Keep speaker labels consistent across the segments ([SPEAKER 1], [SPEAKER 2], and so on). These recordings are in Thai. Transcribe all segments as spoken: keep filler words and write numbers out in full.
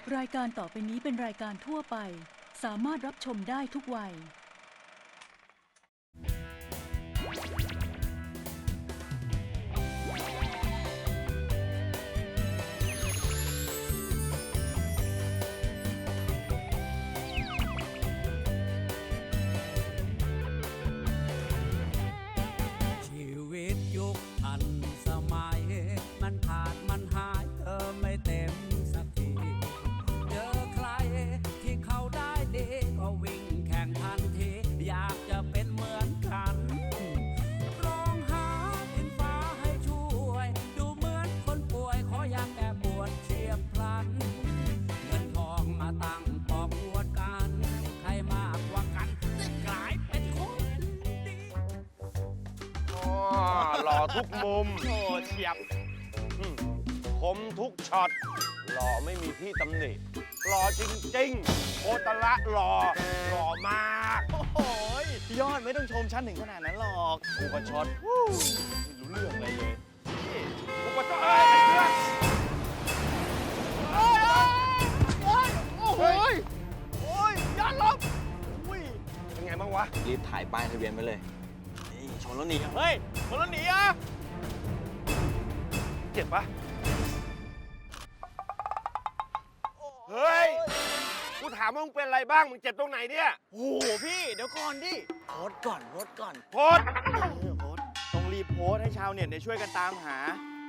[SPEAKER 1] รายการต่อไปนี้เป็นรายการทั่วไปสามารถรับชมได้ทุกวัย
[SPEAKER 2] ชีวิตยุคทันสมัยมันขาดมันหายเธอไม่เต็มสักทีเจอใครที่เขาได้ดีก็วิ่งแข่งทันทีอยากจะเป็นเหมือนกันร้องหาดินฟ้าให้ช่วยดูเหมือนคนป่วยขออยากแก้ปวดเฉียบพลันเงินทองมาตั้งปอกอวดกันใครมากกว่ากันจะกลายเป็นคนดี
[SPEAKER 3] หล่อทุกมุม
[SPEAKER 4] โอ้เฉียบ
[SPEAKER 3] อืมคมทุกช็อต หล่อไม่มีที่ตำหนิ หล่อจริงๆ โคตรละหล่อ หล่อมาก
[SPEAKER 4] โอ้โหยอดไม่ต้องชมฉันถึงขนาดนั้นหรอก
[SPEAKER 3] กูก็ช็อต
[SPEAKER 4] ไม่รู้เรื่องอะไรเลย
[SPEAKER 3] กูก็ช็อตเอ้ยเพื่อน
[SPEAKER 4] โอ้ยโอ้ยโอ้โหยโอ้ยยอดลบอุ้ย
[SPEAKER 3] เป็นไงบ้างวะ
[SPEAKER 5] รีบถ่ายป้ายทะเบียนไว้เลย นี่ชนแล้วหนี
[SPEAKER 4] เฮ้ยคนละหนีอ่ะ
[SPEAKER 3] เจ็บปะเฮ้ย กูถามว่ามึงเป็นอะไรบ้าง มึงเจ็บตรงไหนเนี่ย
[SPEAKER 4] โอ้โหพี่เดี๋ยวก่อนดิโพสต์ก่อนโพสต์ก่อน
[SPEAKER 3] โพสต์
[SPEAKER 4] เออโพสต์ต้องรีบโพสต์ให้ชาวเน็ตเนี่ยช่วยกันตามหา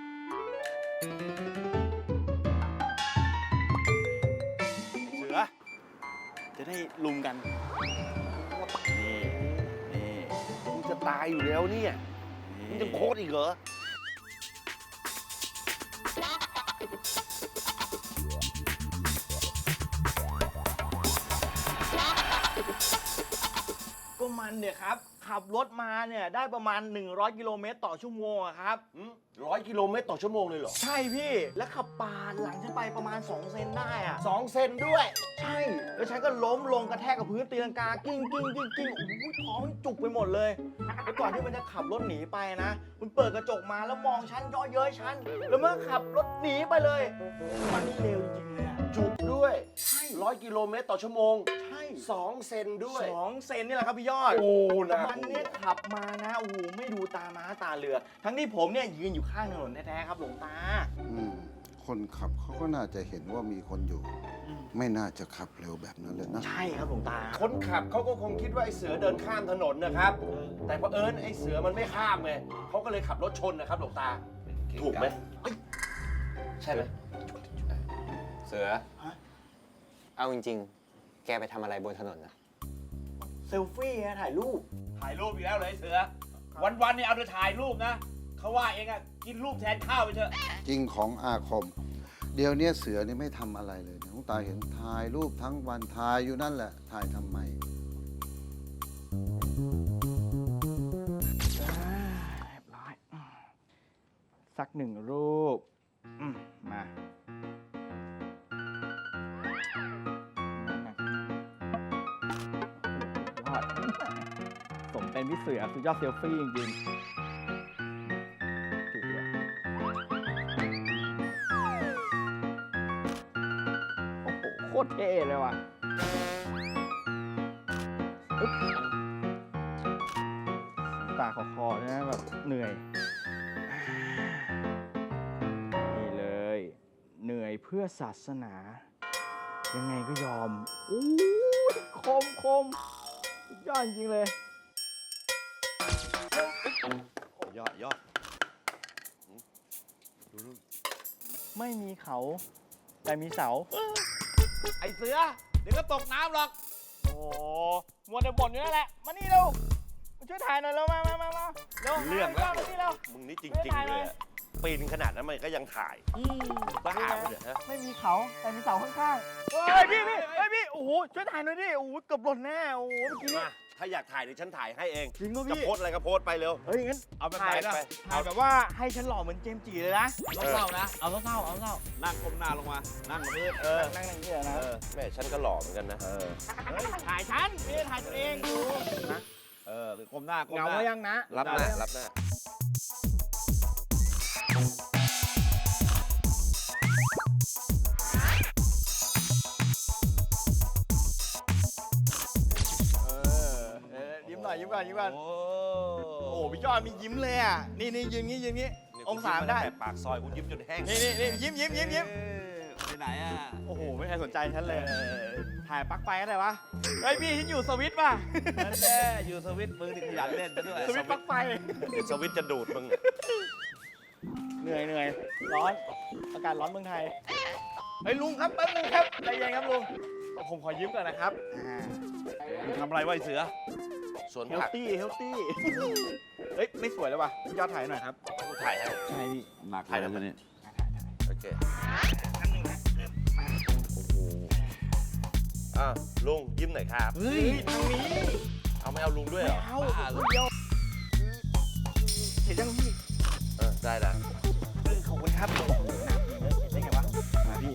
[SPEAKER 4] เสือ จะได้ลุมกัน นี่ นี่
[SPEAKER 3] มึงจะตายอยู่แล้วเนี่ย มึงจะโพสต์อีกเหรอ
[SPEAKER 4] ก็มันเนี่ยครับ ขับรถมาเนี่ยได้ประมาณ หนึ่งร้อย กิโลเมตรต่อชั่วโมงอะครับ
[SPEAKER 3] ร้อยกิโลเมตรต่อชั่วโมงเลยเหรอ
[SPEAKER 4] ใช่พี่ แล้วขับปาดหลังฉันไปประมาณ สอง เซนได้อะ
[SPEAKER 3] สองเซนด้วย
[SPEAKER 4] ใช่ แล้วฉันก็ล้มลงกระแทกกับพื้นตีลังกากิ้งกิ้งกิ้งกิ้งโอ้โหท้องจุกไปหมดเลยแล้วก่อนที่มันจะขับรถหนีไปนะ มันเปิดกระจกมาแล้วมองฉันย่อเย้ยฉัน แล้วมันก็ขับรถหนีไปเลย มันนี่เร็วจริงๆเลยอะ
[SPEAKER 3] จุกด้วย
[SPEAKER 4] ใช่
[SPEAKER 3] ร้อยกิโลเมตรต่อชั่วโมง
[SPEAKER 4] ใช่
[SPEAKER 3] สองเซนด้วย
[SPEAKER 4] สองเซนนี่แหละครับพี่ยอด
[SPEAKER 3] โอ้นะ
[SPEAKER 4] มันเนี่ยขับมานะโอ้โหไม่ดูตาม้าตาเรือ ทั้งที่ผมเนี่ยยืนอยู่ข้างถนนแท้ๆครับหลวงตา
[SPEAKER 6] อืมคนขับเขาก็น่าจะเห็นว่ามีคนอยู่ ไม่น่าจะขับเร็วแบบนั้นเลยนะ
[SPEAKER 4] ใช่ครับหลวงตา
[SPEAKER 3] คนขับเขาก็คงคิดว่าไอ้เสือเดินข้ามถนนนะครับ แต่พอเผอิญไอ้เสือมันไม่ข้ามไงเขาก็เลยขับรถชนนะครับหลวงตา ถูกไหมเอ้ยใช่ไหม
[SPEAKER 5] เสือ
[SPEAKER 4] ฮะ
[SPEAKER 5] เอาจริงๆ แกไปทำอะไรบนถนนนะ
[SPEAKER 4] เซลฟี่ฮะถ่ายรูป
[SPEAKER 7] ถ่ายรูปอีกแล้วเลยเสือ วันๆเนี่ยเอาแต่ถ่ายรูปนะเขาว่าเองอะกินรูปแทนข้าวไปเถอะ
[SPEAKER 6] จริงของอาคม เดี๋ยวเนี้ยเสือนี่ไม่ทำอะไรเลยนะน้องตาเห็นถ่ายรูปทั้งวันถ่ายอยู่นั่นแหละ ถ่ายทำไม
[SPEAKER 4] เรียบร้อยอืมสักหนึ่งรูปอืมมาสุดยอดสมเป็นพี่เสือสุดยอดเซลฟี่จริงๆถูกเลยโอ้โหโคตรเท่เลยว่ะอึ๊บ ตาคอๆนะแบบเหนื่อย นี่เลย เหนื่อยเพื่อศาสนา ยังไงก็ยอมอู้ยคมคมสุดยอดจริงเลย
[SPEAKER 3] ยอดยอด
[SPEAKER 4] ไม่มีเขา แต่มีเสา
[SPEAKER 7] ไอเสือ เดี๋ยวก็ตกน้ำหรอก
[SPEAKER 4] โอ้โหมัวแต่บ่นอยู่นั่นแหละ มานี่เร็ว มาช่วยถ่ายหน่อยเร็ว มามามามาเร็ว
[SPEAKER 3] เรื่องแล้ว
[SPEAKER 4] มานี่เร็ว
[SPEAKER 3] มึงนี่จริงๆเลยอะปีนขนาดนั้นมันก็ยังถ่าย
[SPEAKER 4] อืม
[SPEAKER 3] บ้าไปเถอะฮะ
[SPEAKER 4] ไม่มีเขาแต่มีเสาข้างๆเฮ้ยพี่พี่เฮ้ยพี่ โอ้โห ช่วยถ่ายหน่อยดิ โอ้โหเกือบหล่นแน่ โอ้โห เมื่อกี้นี้
[SPEAKER 3] มาถ้าอยากถ่ายเดี๋ยวฉันถ่ายให้เอง
[SPEAKER 4] จริงป่ะ
[SPEAKER 3] จะ
[SPEAKER 4] พี่
[SPEAKER 3] โพสต์อะไรก็โพสต์ไปเร็ว
[SPEAKER 4] เฮ้ยงั้น
[SPEAKER 7] เอาแบบ
[SPEAKER 4] ถ่าย
[SPEAKER 7] ไหนล่ะ
[SPEAKER 4] ไปถ่ายแบบว่าให้ฉันหล่อเหมือนเจมส์จีเลยนะ
[SPEAKER 7] เอาเศร้าๆนะ เอาเศร้าๆเอาเศร้านั่งก้มหน้าลงมา นั่งกับพื้นเออ
[SPEAKER 4] นั่งนั่งนี่แหละนะ
[SPEAKER 3] เออแม่ฉันก็หล่อเหมือนกันนะ
[SPEAKER 7] เออ
[SPEAKER 4] เฮ้ย ถ่ายฉันไม่ได้ถ่ายตัวเองดูนะ
[SPEAKER 7] เออก้มหน้าก้ม
[SPEAKER 4] เหงา
[SPEAKER 7] หน้า
[SPEAKER 4] ไว้ยังนะ
[SPEAKER 3] รับหน้ารับหน้า
[SPEAKER 4] อนยิ้มก่อนยิ้มก่อน
[SPEAKER 7] โอ้
[SPEAKER 4] โอ้พี่ยอดมียิ้มเลยอ่ะนี่นี่ยืนงี้ยืนงี้องศาได้
[SPEAKER 7] ปากซอยกูยิ้มจนแห้ง
[SPEAKER 4] นี่นี่นี่ยิ้มยิ้มยิ้มยิ้ม
[SPEAKER 7] เออไปไหนอ่ะ
[SPEAKER 4] โอ้โหไม่มีใครสนใจฉันเลยถ่ายปลั๊กไฟก็ได้วะเฮ้ยพี่ฉันอยู่สวิตช์ป่ะ
[SPEAKER 7] นั่นแน่อยู่สวิตช์มึงนี่ขยันเล่นซะด้วย
[SPEAKER 4] สวิตช์ปลั๊กไฟ
[SPEAKER 3] เดี๋ยวสวิตช์จะดูดมึง
[SPEAKER 4] เหนื่อยเหนื่อยร้อนอากาศร้อนเมืองไทยเฮ้ยลุงครับแป๊บนึงครับใจเย็นครับลุงผมขอยิ้มก่อนนะครับ
[SPEAKER 7] มึงทำอะไรไวะไอ้เสือ
[SPEAKER 3] สวน
[SPEAKER 4] เฮล
[SPEAKER 3] ผัก
[SPEAKER 4] ตี้เฮลตี้เฮ้ยไม่สวยแล้วว่ะพี่ยอดถ่ายหน่อยครับ
[SPEAKER 3] กูถ่ายให้
[SPEAKER 4] ใช่พี่
[SPEAKER 7] หนัก
[SPEAKER 3] ถ่าย
[SPEAKER 7] เล
[SPEAKER 3] ทำ
[SPEAKER 7] ย
[SPEAKER 3] ไม
[SPEAKER 7] เนี่ย
[SPEAKER 3] โอเคอ่ะลุงยิ้มหน่อยครับ
[SPEAKER 4] เฮ้ยทางนี้
[SPEAKER 3] เอาไม่เอาลุงด้วยเหรอ
[SPEAKER 4] เอาเดียวเห็นยังพี่
[SPEAKER 3] เออได้ได้
[SPEAKER 4] เออขอบคุณครับโอ้โหเห็นได้ไงวะมาพี่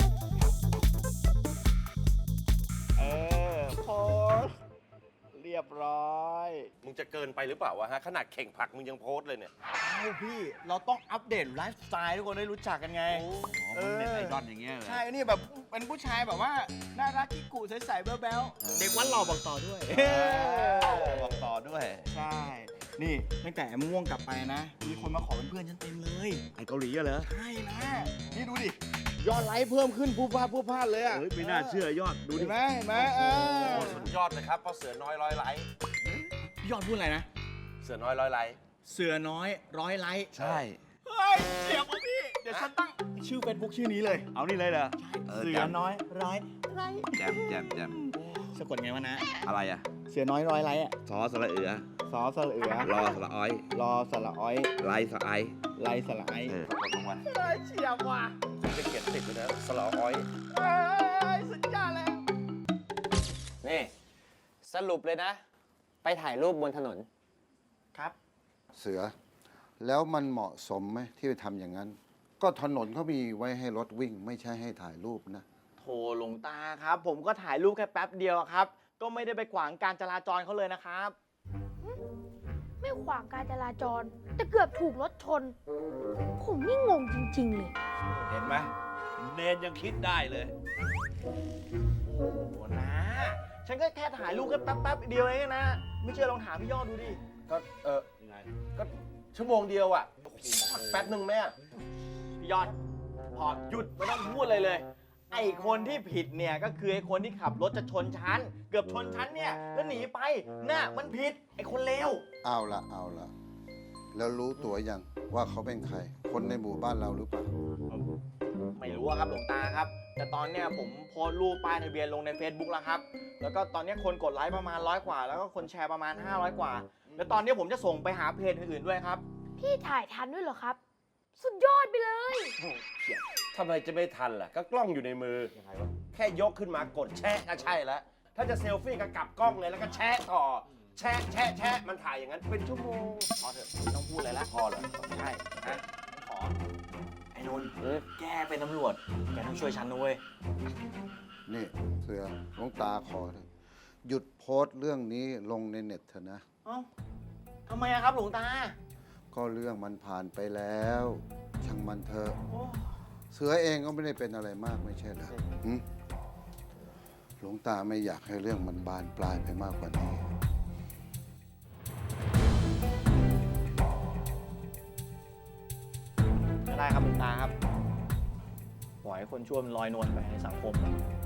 [SPEAKER 4] เออโพสเรียบร้อย
[SPEAKER 3] มึงจะเกินไปหรือเปล่าวะฮะขนาดเข่งผักมึงยังโพสต์เลยเนี่ย
[SPEAKER 4] เอ้าพี่เราต้องอัปเดตไลฟ์สไตล์ทุกคนได้รู้จักกันไง
[SPEAKER 7] อ๋อมึงเน็ตไอดอลอย่างเงี้ยเหรอ
[SPEAKER 4] ใช่ นี่แบบเป็นผู้ชายแบบว่าน่ารักกิ๊กกุใสๆแบ๊วๆเด็กวัดหล่อบอกต่อด้วย
[SPEAKER 7] บอกต่อด้วย
[SPEAKER 4] ใช่ นี่ตั้งแต่ม่วงกลับไปนะ มีคนมาขอเป็นเพื่อนฉันเต็มเลย
[SPEAKER 7] ไอเกาหลีอะเหรอ
[SPEAKER 4] ใช่นะ นี่ดูดิ ยอดไลค์เพิ่มขึ้นผู้พาผู้พลาดเลยอ่ะ
[SPEAKER 7] เฮ้ยไม่น่าเชื่อยอดดูดิ
[SPEAKER 4] เห็นไหมเห็นไหมเออ
[SPEAKER 3] โอ้สุดยอดเลยครับเพราะเสือน้อยร้อยไลค์
[SPEAKER 4] ยอดพูดอะไรนะ
[SPEAKER 3] เสือน้อยร้อยไลค์
[SPEAKER 4] เสือน้อยร้อยไลค์
[SPEAKER 7] ใช่
[SPEAKER 4] เฮ้ยเสียบอ่ะพี่ เดี๋ยวฉันตั้งชื่อเฟซบุ๊กชื่อนี้เลย
[SPEAKER 7] เอานี่เลยเหรอ เออ
[SPEAKER 4] เสื
[SPEAKER 7] แจ
[SPEAKER 4] อ
[SPEAKER 7] ม
[SPEAKER 4] น้อยร้อยไลค์
[SPEAKER 7] แจมแจมแจม
[SPEAKER 4] สะกดไงวะนะ
[SPEAKER 7] อะไรอ่ะ
[SPEAKER 4] เสือน้อยร้อยไลค์อ่ะ
[SPEAKER 7] ซอสระเอือ
[SPEAKER 4] สอสระเอือ
[SPEAKER 7] รอสระอ้อย
[SPEAKER 4] รอสระอ้อย
[SPEAKER 7] ไลสระไอ
[SPEAKER 4] ไลสระไอ
[SPEAKER 7] เออขอบคุณวัน
[SPEAKER 4] ได้เฉียบว่ะ
[SPEAKER 3] คุณจะเขียนติดเลยนะสลออ้อย
[SPEAKER 4] เอ้ยสุดยอดแล้ว
[SPEAKER 5] นี่สรุปเลยนะ ไปถ่ายรูปบนถนน
[SPEAKER 4] ครับ
[SPEAKER 6] เสือ แล้วมันเหมาะสมไหมที่ไปทำอย่างนั้น ก็ถนนเขามีไว้ให้รถวิ่ง ไม่ใช่ให้ถ่ายรูปนะ
[SPEAKER 4] โถหลวงตาครับ ผมก็ถ่ายรูปแค่แป๊บเดียวครับ ก็ไม่ได้ไปขวางการจราจรเขาเลยนะครับ
[SPEAKER 8] ไม่ขวางการจราจร แต่เกือบถูกรถชน ผมนี่งงจริง ๆ เลย
[SPEAKER 7] เห็นไหมเนนยังคิดได้เลย
[SPEAKER 4] โอ้โหนะ ฉันก็แค่ถ่ายรูปแค่แป๊บๆเดียวเองนะ ไม่เชื่อลองถามพี่ยอดดูดิ
[SPEAKER 3] ก็เออ
[SPEAKER 7] ยังไง
[SPEAKER 3] ก็ชั่วโมงเดียวอ่ะแป๊บหนึ่งแม่
[SPEAKER 4] พี่ยอด พอหยุดไม่ต้องพูดเลยเลย ไอ้คนที่ผิดเนี่ยก็คือไอ้คนที่ขับรถจะชนฉัน เกือบชนฉันเนี่ย แล้วหนีไป น่ะมันผิด ไอ้คนเลว
[SPEAKER 6] เอาละเอาละแล้วรู้ตัวยังว่าเขาเป็นใคร คนในหมู่บ้านเราหรือเปล่า
[SPEAKER 4] ไม่รู้อะครับหลวงตาครับ แต่ตอนเนี้ยผมโพสต์รูปป้ายทะเบียนลงใน Facebook แล้วครับ แล้วก็ตอนเนี้ยคนกดไลค์ประมาณร้อยกว่า แล้วก็คนแชร์ประมาณห้าร้อยกว่า แล้วตอนนี้ผมจะส่งไปหาเพจอื่นๆด้วยครับ
[SPEAKER 8] พี่ถ่ายทันด้วยเหรอครับ สุดยอดไปเลย
[SPEAKER 3] ทำไมจะไม่ทันล่ะ ก็กล้องอยู่ในมือ แค่ยกขึ้นมากดแชะก็ใช่แล้ว ถ้าจะเซลฟี่ก็กลับกล้องเลยแล้วก็แชะต่อ แชะแชะแชะมันถ่ายอย่างนั้นเป็นชั่วโมง
[SPEAKER 4] พอเถอะไม่ต้องพูดอะไรแล้ว
[SPEAKER 3] พอเหรอ
[SPEAKER 4] ใช่นะขอ ไอ้นนท์แกเป็นตำรวจ แกต้องช่วยฉันนะเว้ย
[SPEAKER 6] นี่เสือหลวงตาขอเถอะหยุดโพสต์เรื่องนี้ลงในเน็ตเถอะนะ
[SPEAKER 4] เอ้าทำไมอะครับหลวงตา
[SPEAKER 6] ก็เรื่องมันผ่านไปแล้ว ช่างมันเถอะ
[SPEAKER 4] โอ้
[SPEAKER 6] เสือเองก็ไม่ได้เป็นอะไรมากไม่ใช่เหรอหึหลวงตาไม่อยากให้เรื่องมันบานปลายไปมากกว่านี้
[SPEAKER 4] ก็ได้ครับหลวงตาครับปล่อยให้คนชั่วมันลอยนวลไปในสังคม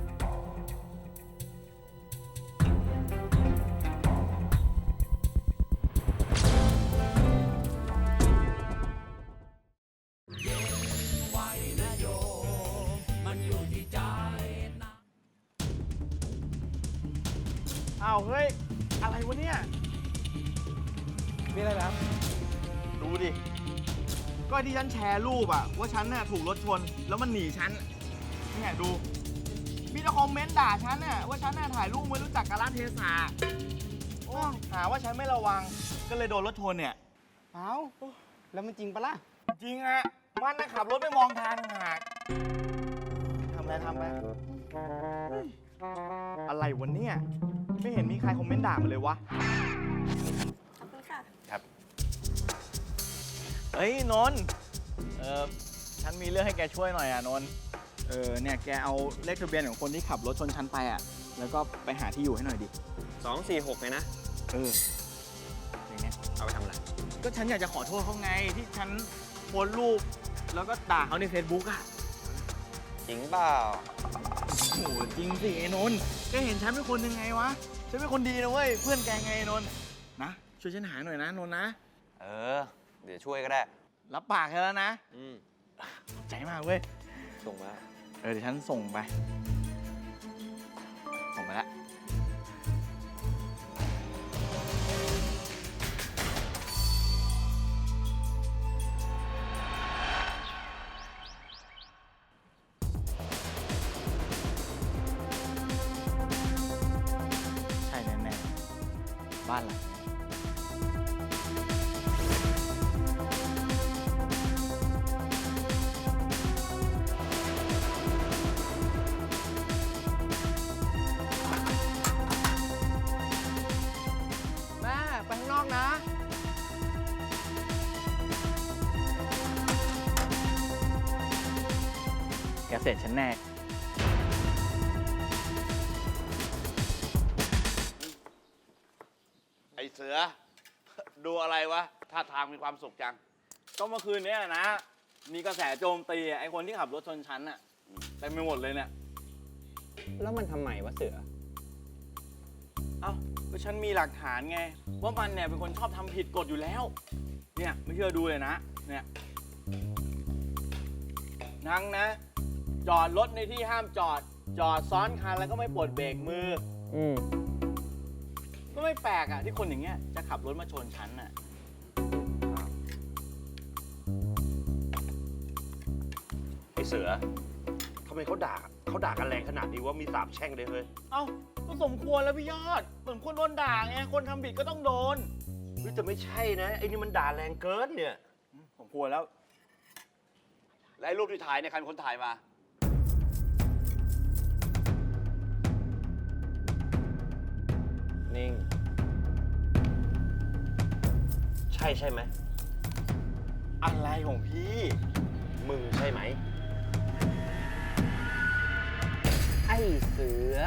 [SPEAKER 4] อ้าวเฮ้ย อะไรวะเนี่ย มีอะไรแล้ว ดูดิ ก็ที่ฉันแชร์รูปอะว่าฉันน่ะถูกรถชน แล้วมันหนีฉันเนี่ยดู มีแต่คอมเมนต์ด่าฉันน่ะว่าฉันน่ะถ่ายรูปไม่รู้จักกาลเทศะโอ้หาว่าฉันไม่ระวัง ก็เลยโดนรถชนเนี่ย
[SPEAKER 5] เอ้า แล้วมันจริงปะล่ะ
[SPEAKER 4] จริงอะมันน่ะขับรถไม่มองทางต่างหากทำอะไรทำไปอะไรวะเนี่ย ไม่เห็นมีใครคอมเมนต์ด่ามาเลยวะ
[SPEAKER 8] ขอบคุณค่ะ
[SPEAKER 3] ครับ
[SPEAKER 4] เฮ้ยนนท์เออฉันมีเรื่องให้แกช่วยหน่อยอ่ะนนท์เออเนี่ยแกเอาเลขทะเบียนของคนที่ขับรถชนฉันไปอ่ะ แล้วก็ไปหาที่อยู่ให้หน่อยดิ
[SPEAKER 5] สองสี่หกเลยนะ
[SPEAKER 4] เออ
[SPEAKER 5] เอาไปทำอะไร
[SPEAKER 4] ก็ฉันอยากจะขอโทษเขาไงที่ฉันโพสต์รูป แล้วก็ด่าเขาใน Facebook อ่ะ
[SPEAKER 5] จริงเปล่า
[SPEAKER 4] โอ้โหจริงสิไอ้นนท์แกเห็นฉันเป็นคนยังไงวะ ฉันเป็นคนดีนะเว้ย เพื่อนแกไงไอ้นนท์นะ ช่วยฉันหาหน่อยนะนนท์นะ
[SPEAKER 5] เออ เดี๋ยวช่วยก็ได้
[SPEAKER 4] รับปากแค่แล้วนะ
[SPEAKER 5] อืม
[SPEAKER 4] ขอบใจมากเว้ย
[SPEAKER 5] ส่งมา
[SPEAKER 4] เออเดี๋ยวฉันส่งไป ส่งไปแล้ว ใช่แน่ๆบ้านหลังนี้แม่ไปข้างนอกนะ แกเสร็จฉันแน่
[SPEAKER 7] ไอเสือ ดูอะไรวะท่าทางมีความสุขจัง
[SPEAKER 4] ก็เมื่อคืนเนี้ยนะ มีกระแสโจมตีไอ้คนที่ขับรถชนฉันอะเต็มไปหมดเลยเนี่ย
[SPEAKER 5] แล้วมันทำไมวะเสือ
[SPEAKER 4] เอ้าก็ฉันมีหลักฐานไง ว่ามันเนี่ยเป็นคนชอบทำผิดกฎอยู่แล้ว เนี่ยไม่เชื่อดูเลยนะ เนี่ยทั้งนะ จอดรถในที่ห้ามจอด จอดซ้อนคันแล้วก็ไม่ปลดเบรกมือ
[SPEAKER 5] อืม
[SPEAKER 4] ก็ไม่แปลกอะที่คนอย่างเงี้ยจะขับรถมาชนฉันอะ
[SPEAKER 3] ไอเสือทำไมเขาด่าเขาด่ากันแรงขนาดนี้ว่ามีสาบแช่งเลยเฮ้ย
[SPEAKER 4] เอ้าก็สมควรแล้วพี่ยอดสมควรโดนด่าไง คนทำผิดก็ต้องโดน
[SPEAKER 3] เฮ้ยแต่ไม่ใช่นะไอ้นี่มันด่าแรงเกินเนี่ย
[SPEAKER 4] สมควรแล้ว
[SPEAKER 7] และไอ้รูปที่ถ่ายเนี่ยใครเป็นคนถ่ายมา
[SPEAKER 5] นิ่ง
[SPEAKER 3] ใช่ใช่ไหม
[SPEAKER 4] อะไรของพี่
[SPEAKER 3] มึงใช่ไหม
[SPEAKER 5] ไอ้เสือ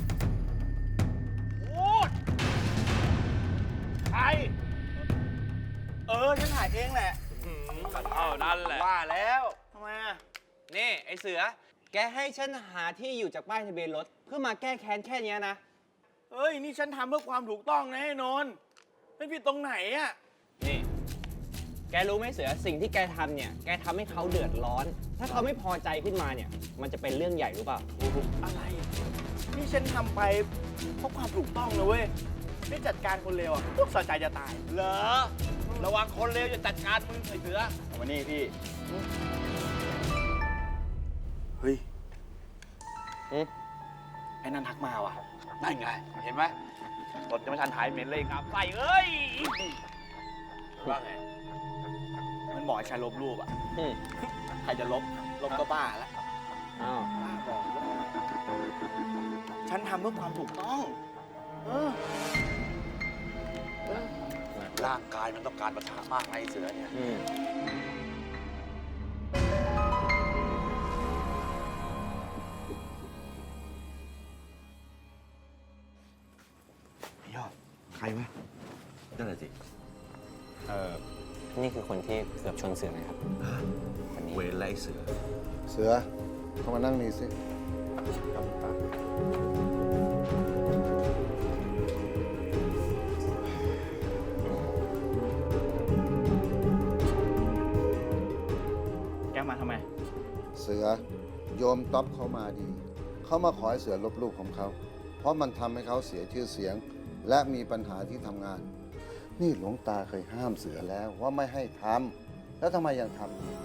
[SPEAKER 4] พูดใคร เออ ฉันถ่ายเองแหละ
[SPEAKER 7] เท่านั้นแหละ
[SPEAKER 3] ว่าแล้ว
[SPEAKER 4] ทำไมอ่ะ
[SPEAKER 5] นี่ไอ้เสือ แกให้ฉันหาที่อยู่จากป้ายทะเบียนรถ เพื่อมาแก้แค้นแค่เนี้ยนะ
[SPEAKER 4] เฮ้ย นี่ฉันทำเพื่อความถูกต้องนะไอ้นนท์ไม่ผิดตรงไหนอ่ะ
[SPEAKER 5] นี่ แกรู้ไหมเสือ สิ่งที่แกทำเนี่ย แกทำให้เขาเดือดร้อน ถ้าเขาไม่พอใจขึ้นมาเนี่ย มันจะเป็นเรื่องใหญ่รู้เปล่า
[SPEAKER 4] อะไร นี่ฉันทำไปเพราะความถูกต้องนะเว้ย ไม่จัดการคนเลวอ่ะพวกสะใจจะตาย
[SPEAKER 7] เหรอ ระวังคนเลวจะจัดการมึงไอเสือ
[SPEAKER 4] เอามานี่พี่ เฮ้ย
[SPEAKER 5] อืม
[SPEAKER 4] ไอ้นั่นทักมาว่ะ
[SPEAKER 7] นั่นไง เห็นไหมรถจะไม่ทันถ่ายเหม็นเลยครับใส่เอ้ย ว่าไง
[SPEAKER 4] มันบอกให้ฉันลบรูปอ่ะ
[SPEAKER 5] อืม
[SPEAKER 4] ใครจะลบ ลบก็บ้าแล้ว
[SPEAKER 5] อ้าว
[SPEAKER 4] บ้าบอกฉันทำเพื่อความถูกต้อง เออ
[SPEAKER 7] ร่างกายมันต้องการประทะมากนะไอเสือเนี่ย
[SPEAKER 5] อืม
[SPEAKER 3] ยอด ใครวะนั่นแหละสิ
[SPEAKER 5] เออ นี่คือคนที่เกือบชนเสือนะครับ คนนี้
[SPEAKER 3] เวรไล่เสือ
[SPEAKER 6] เสือ เข้ามานั่งนี่สิ
[SPEAKER 4] แกมาทำไม
[SPEAKER 6] เสือโยมต๊อบเขามาดี เขามาขอให้เสือลบรูปของเขา เพราะมันทำให้เขาเสียชื่อเสียง และมีปัญหาที่ทำงาน นี่หลวงตาเคยห้ามเสือแล้วว่าไม่ให้ทำแล้วทำไมยังทำอยู่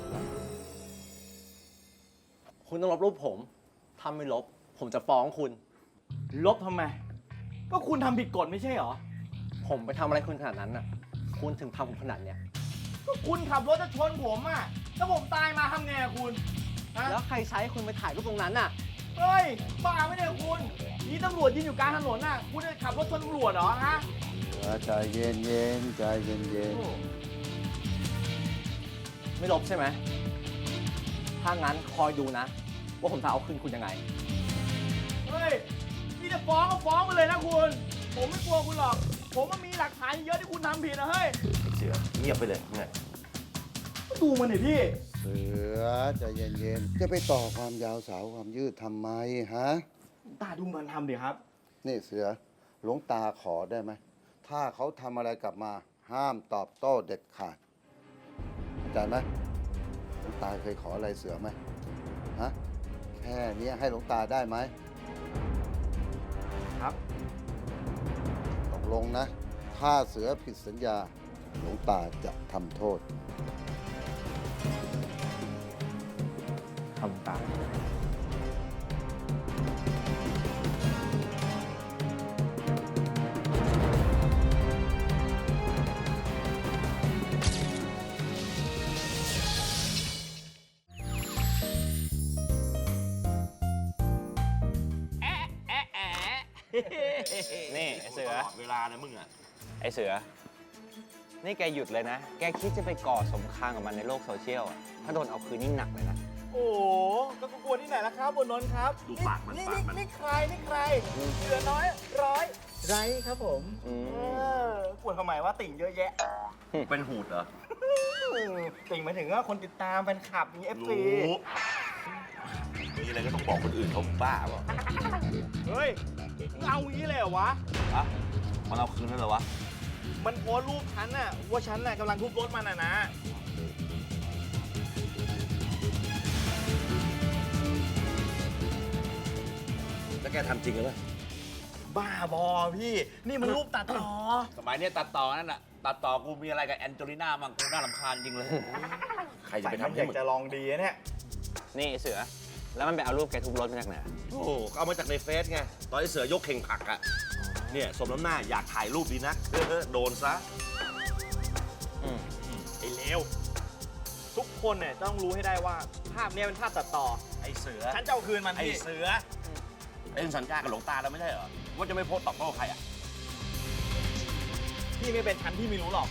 [SPEAKER 9] คุณต้องลบรูปผม ถ้าไม่ลบ ผมจะฟ้องคุณ
[SPEAKER 4] ลบทำไม ก็คุณทำผิดกฎไม่ใช่เหรอ
[SPEAKER 9] ผมไปทำอะไรคุณขนาดนั้นน่ะ คุณถึงทำผมขนาดเนี้ย
[SPEAKER 4] ก็คุณขับรถจะชนผมอ่ะ ถ้าผมตายมาทำไงอะคุณฮะ
[SPEAKER 9] แล้วใครใช้คุณไปถ่ายรูปตรงนั้นน่ะ
[SPEAKER 4] เฮ้ย บ้าไม่ได้คุณ นี่ตำรวจยืนอยู่กลางถนนน่ะ คุณจะขับรถชนตำรวจเหรอฮะ
[SPEAKER 6] เสือใจเย็นเย็นๆใจเย็นเย็น
[SPEAKER 4] โอ้
[SPEAKER 9] ไม่ลบใช่ไหม ถ้างั้นคอยดูนะ ว่าผมจะเอาคืนคุณยังไง
[SPEAKER 4] เฮ้ย นี่จะฟ้องก็ฟ้องไปเลยนะคุณ ผมไม่กลัวคุณหรอกผมมันมีหลักฐานเยอะที่คุณทำผิดนะเฮ้ย
[SPEAKER 3] เสือเงียบไปเลยไง
[SPEAKER 4] ดูมันหน่อยพี่
[SPEAKER 6] เสือใจเย็นๆ จะไปต่อความยาวสาวความยืดทำไมฮะ
[SPEAKER 4] ตาดูมันทำดิครับ
[SPEAKER 6] นี่เสือหลวงตาขอได้ไหม ถ้าเขาทำอะไรกลับมา ห้ามตอบโต้เด็ดขาดเข้าใจไหมหลวงตาเคยขออะไรเสือไหมฮะ แค่นี้ให้หลวงตาได้ไหม
[SPEAKER 4] ครับ
[SPEAKER 6] ตกลงนะ ถ้าเสือผิดสัญญา หลวงตาจะทำโทษ
[SPEAKER 4] ทำตาม
[SPEAKER 5] นี่ไอเสือ
[SPEAKER 3] ตลอดเวลาเลยมึงอ่ะ
[SPEAKER 5] ไอเสือ นี่แกหยุดเลยนะ แกคิดจะไปก่อสงครามกับมันในโลกโซเชียลอะถ้าโดนเอาคืนนี่หนักเลยนะ
[SPEAKER 4] โอ้โหก็กลัวที่ไหนล่ะครับบนนนท์ครับ
[SPEAKER 3] ดูปากมัน
[SPEAKER 4] นี่
[SPEAKER 3] ปาก
[SPEAKER 4] นี่
[SPEAKER 3] มัน
[SPEAKER 4] นี่ใครนี่ใครเหลือน้อยร้อยไรครับผม
[SPEAKER 5] อืม
[SPEAKER 4] เออกลัวทำไมว่าติ่งเยอะแยะ
[SPEAKER 3] เป็นหูดเหรอ
[SPEAKER 4] ติ่งหมายถึงว่าคนติดตามแฟนคลับมีเอฟซี
[SPEAKER 3] รู้มีอะไรก็ต้องบอกคนอื่นเขาบ้าเปล่า
[SPEAKER 4] เฮ้ยมึงเอางี้เลยเหรอวะ
[SPEAKER 7] อะมันเอาคืนแล้วเหรอวะ
[SPEAKER 4] มันโพสต์รูปฉันน่ะว่าฉันน่ะกำลังทุบรถมันน่ะนะ
[SPEAKER 3] แล้วแกทำจริงหรือเปล่า
[SPEAKER 4] บ้าบอพี่ นี่มันรูปตัดต่อ
[SPEAKER 7] สมัยเนี้ยตัดต่อนั่นน่ะ ตัดต่อกูมีอะไรกับแอนโจลิน่ามั่งกูน่ารำคาญจริงเลย
[SPEAKER 3] ใครจะไปทำให้
[SPEAKER 4] อยาก
[SPEAKER 3] มึง
[SPEAKER 4] จะลองดีนะเนี่ย
[SPEAKER 5] นี่ไอเสือ แล้วมันไปเอารูปแกทุบรถมาจากไหน
[SPEAKER 3] โอ้โหก็เอามาจากในเฟซไง ตอนที่เสือยกเข่งผักอ่ะ เนี่ยสมน้ำหน้าอยากถ่ายรูปดีนะเออโดนซะ
[SPEAKER 5] อืม
[SPEAKER 4] ไอ้เลวทุกคนเนี่ยต้องรู้ให้ได้ว่าภาพเนี้ยเป็นภาพตัดต่อ
[SPEAKER 3] ไอเสือ
[SPEAKER 4] ฉันจะเอาคืนมัน
[SPEAKER 3] ไอ
[SPEAKER 4] พี่
[SPEAKER 3] เสือเป็นสัญญากับหลวงตาแล้วไม่ใช่เหรอ ว่าจะไม่โพสต์ตอบโต้ใครอ่ะ
[SPEAKER 4] พี่ไม่เป็นฉันพี่ไม่รู้หรอก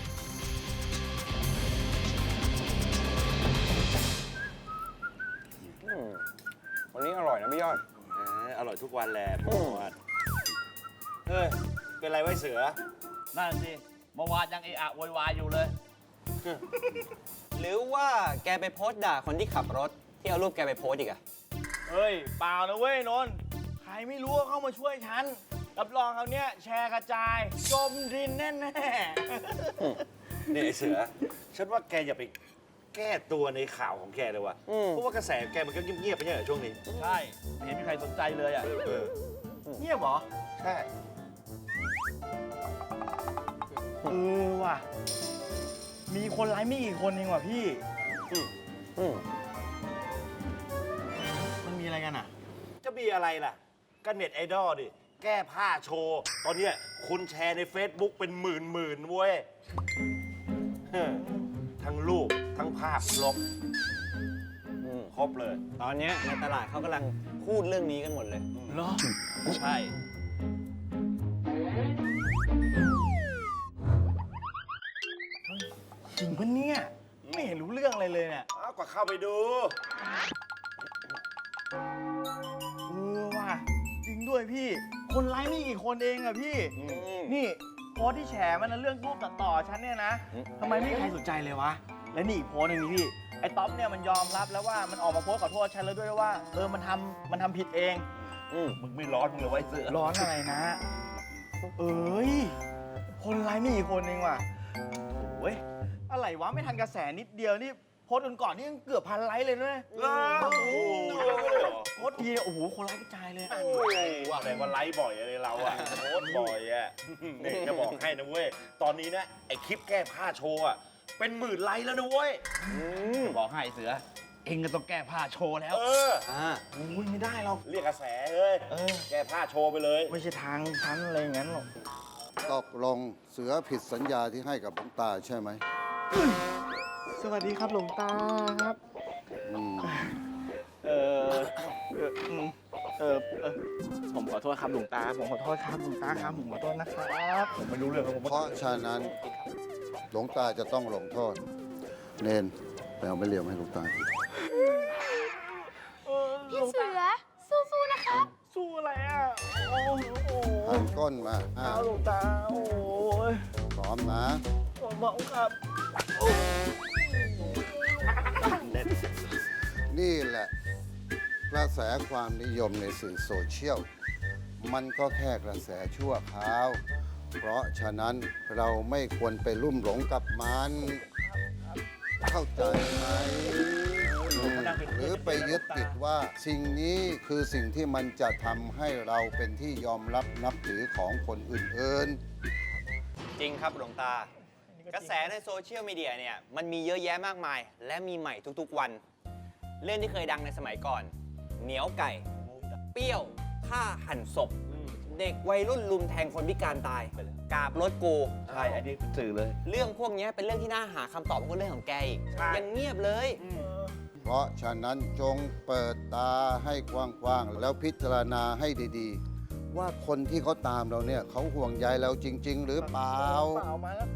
[SPEAKER 5] อืมวันนี้อร่อยนะพี่ยอด
[SPEAKER 3] เอออร่อยทุกวันแหละ
[SPEAKER 5] อืม
[SPEAKER 3] เฮ้ย เป็นไรไว้เสือ
[SPEAKER 7] นั่นสิเมื่อวานยังเอะอะโวยวายอยู่เลย
[SPEAKER 5] หรือว่าแกไปโพสต์ด่าคนที่ขับรถ ที่เอารูปแกไปโพสต์อีกอะ
[SPEAKER 4] เฮ้ย เปล่านะเว้ยนนท์ใครไม่รู้ก็เข้ามาช่วยฉัน รับรองเขาวเนี้ยแชร์กระจาย จมดินแน่ๆ
[SPEAKER 3] นี่ไอเสือ ฉันว่าแกอย่าไปแก้ตัวในข่าวของแกเลยว่ะ
[SPEAKER 5] อืม
[SPEAKER 3] เพราะว่ากระแสแกมันก็เงียบๆไปใช่เหรอช่วงนี้
[SPEAKER 7] ใช่ ไม่เห็นมีใครสนใจเลยอ่ะ
[SPEAKER 3] เออ
[SPEAKER 4] เงียบเหรอ
[SPEAKER 3] ใช่
[SPEAKER 4] เออว่ะ มีคนไลค์ไม่กี่คนเองว่ะพี่
[SPEAKER 5] อืม
[SPEAKER 4] มันมีอะไรกันอ่ะ
[SPEAKER 3] จะมีอะไรล่ะ ก็เน็ตไอดอลดิ แก้ผ้าโชว์ ตอนเนี้ยคนแชร์ใน Facebook เป็นหมื่นหมื่นๆเว้ยเฮ้อทั้งรูป ทั้งภาพครบ
[SPEAKER 5] อืม
[SPEAKER 3] ครบเลย
[SPEAKER 5] ตอนเนี้ยในตลาดเขากำลังพูดเรื่องนี้กันหมดเลย
[SPEAKER 4] เหรอ
[SPEAKER 7] ใช่
[SPEAKER 4] จริงปะเนี่ย ไม่เห็นรู้เรื่องอะไรเลยเนี่ย
[SPEAKER 3] อ้าวก็เข้าไปดู
[SPEAKER 4] เออว่ะ จริงด้วยพี่ คนไลค์ไม่กี่คนเองอะพี่ นี่โพสต์ที่แฉมันนะเรื่องรูปตัดต่อฉันเนี่ยนะ
[SPEAKER 5] อืม
[SPEAKER 4] ทำไมไม่มีใครสนใจเลยวะ และนี่อีกโพสต์หนึงนี่พี่ ไอ้ต๊อปเนี่ยมันยอมรับแล้วว่ามันออกมาโพสต์ขอโทษฉันแล้วด้วยว่า เออมันทำมันทำผิดเอง
[SPEAKER 5] อืม
[SPEAKER 3] มึงไม่ร้อนมึงเลยไว้เสือ
[SPEAKER 4] ร้อนอะไรนะ เอ้ย คนไลค์ไม่กี่คนเองว่ะโอ้ยอะไรวะไม่ทันกระแสนิดเดียวนี่โพสต์ก่อนๆนี่ยังเกือบพันไลค์เลยนะ
[SPEAKER 3] เออโอ้โหเยอะเลยเหรอ
[SPEAKER 4] โพสต์ทีเนี่ยโอ้โหคนไลค์กระจายเลย
[SPEAKER 3] โอ้ว่าแต่ว่าไลฟ์บ่อยอะไรเราอะโพสต์บ่อยอะนี่จะบอกให้นะเว้ย ตอนนี้นะไอคลิปแก้ผ้าโชว์อะเป็นหมื่นไลค์แล้วนะเว้ย
[SPEAKER 7] บอกให้เสือ เองก็ต้องแก้ผ้าโชว์แล้ว
[SPEAKER 3] เออ
[SPEAKER 5] อ่า
[SPEAKER 4] อุ้ยไม่ได้หรอก
[SPEAKER 3] เรียกกระแสเอ้ย
[SPEAKER 4] เออ
[SPEAKER 3] แก้ผ้าโชว์ไปเลย
[SPEAKER 4] ไม่ใช่ทางชั้นอะไรอย่างนั้นหรอก
[SPEAKER 6] ตกลงเสือผิดสัญญาที่ให้กับหลวงตาใช่ไหม
[SPEAKER 4] สวัสดีครับหลวงตาครับ
[SPEAKER 6] อืม
[SPEAKER 4] เออเอออืมเออเออผมขอโทษครับหลวงตา ผมขอโทษครับหลวงตาครับผมขอโทษนะครับ ผมไม่รู้เรื่องครับผม
[SPEAKER 6] เพราะฉะนั้นหลวงตาจะต้องลงโทษ เนนไปเอาไม่เลียวให้หลวงตา
[SPEAKER 8] พี่เสือ สู้ๆนะครับ
[SPEAKER 4] สู้อะไรอ่ะ โอ้โห
[SPEAKER 6] หันก้นมาอ่ะ
[SPEAKER 4] เอาหลวงตา โอ้ย
[SPEAKER 6] พร้อมนะ
[SPEAKER 4] ผมบอกครับ
[SPEAKER 6] นี่แหละกระแสความนิยมในสื่อโซเชียล มันก็แค่กระแสชั่วคราว เพราะฉะนั้นเราไม่ควรไปลุ่มหลงกับมัน เข้าใจไหมอืมหรือไปยึดติดว่าสิ่งนี้คือสิ่งที่มันจะทำให้เราเป็นที่ยอมรับนับถือของคนอื่น
[SPEAKER 5] จริงครับหลวงตา กระแสในโซเชียลมีเดียเนี่ยมันมีเยอะแยะมากมาย และมีใหม่ทุกๆวัน เรื่องที่เคยดังในสมัยก่อน เหนียวไก่ เปรี้ยวฆ่าหันศพ เด็กวัยรุ่นลุมแทงคนพิการตาย กราบรถกู
[SPEAKER 7] ใช่ อันนี้สื่อเลย
[SPEAKER 5] เรื่องพวกนี้เป็นเรื่องที่น่าหาคำตอบของเรื่องของแกอีก ยังเงียบเลย
[SPEAKER 6] ๆ เพราะฉะนั้นจงเปิดตาให้กว้างๆ แล้วพิจารณาให้ดีๆ ว่าคนที่เขาตามเราเนี่ยเขาห่วงใยเราจริง ๆ หรือเปล่า
[SPEAKER 4] เปล่ามาแล้ว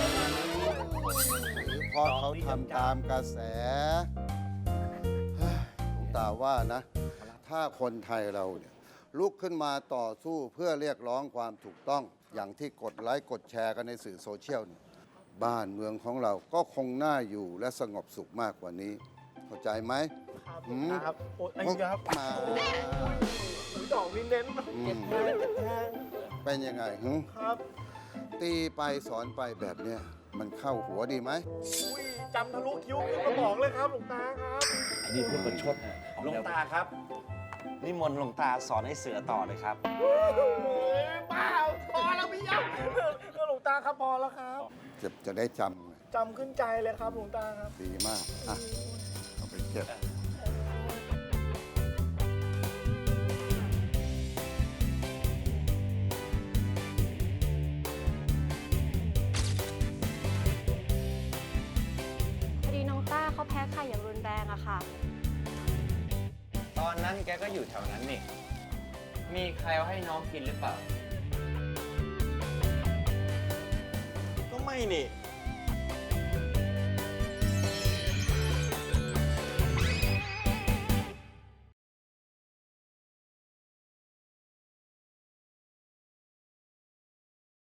[SPEAKER 6] หรือเพราะเขาทำตามกระแสเฮ้ยหลวงตาว่านะ ถ้าคนไทยเราเนี่ยลุกขึ้นมาต่อสู้เพื่อเรียกร้องความถูกต้อง อย่างที่กดไลค์กดแชร์กันในสื่อโซเชียลเนี่ยบ้านเมืองของเราก็คงน่าอยู่และสงบสุขมากกว่านี้ เข้าใจไหม
[SPEAKER 4] ครับ
[SPEAKER 6] หืม
[SPEAKER 4] ครับ โอ้ยอันนี้ครับ
[SPEAKER 6] มา
[SPEAKER 4] ดอกนี้เน้น
[SPEAKER 6] อืม
[SPEAKER 4] เจ็บแทง
[SPEAKER 6] เป็นยังไงหึ
[SPEAKER 4] ครับ
[SPEAKER 6] ตีไปสอนไปแบบเนี้ยมันเข้าหัวดีไหม
[SPEAKER 4] อุ้ยจำทะลุคิ้วขึ้นมาบอกเลยครับหลวงตาครับ
[SPEAKER 7] อันนี้พูดประชดนะ
[SPEAKER 3] หลวงตาครับ นิมนต์หลวงตาสอนให้เสือต่อเลยครับ
[SPEAKER 4] โอ้ยบ้าพอแล้วพี่ยักษ์หลวงตาครับพอแล้วครับ
[SPEAKER 6] จะจะได้จำไง
[SPEAKER 4] จำขึ้นใจเลยครับหลวงตาครับ
[SPEAKER 6] ดีมาก อ่ะ เอาไปเก็บ
[SPEAKER 10] พอดีน้องต้าเขาแพ้ไข่อย่างรุนแรงอะค่ะ
[SPEAKER 5] ตอนนั้นแกก็อยู่แถวนั้นนี่ มีใครเอาให้น้องกินหรือเปล่า
[SPEAKER 4] ก็ไม่นี่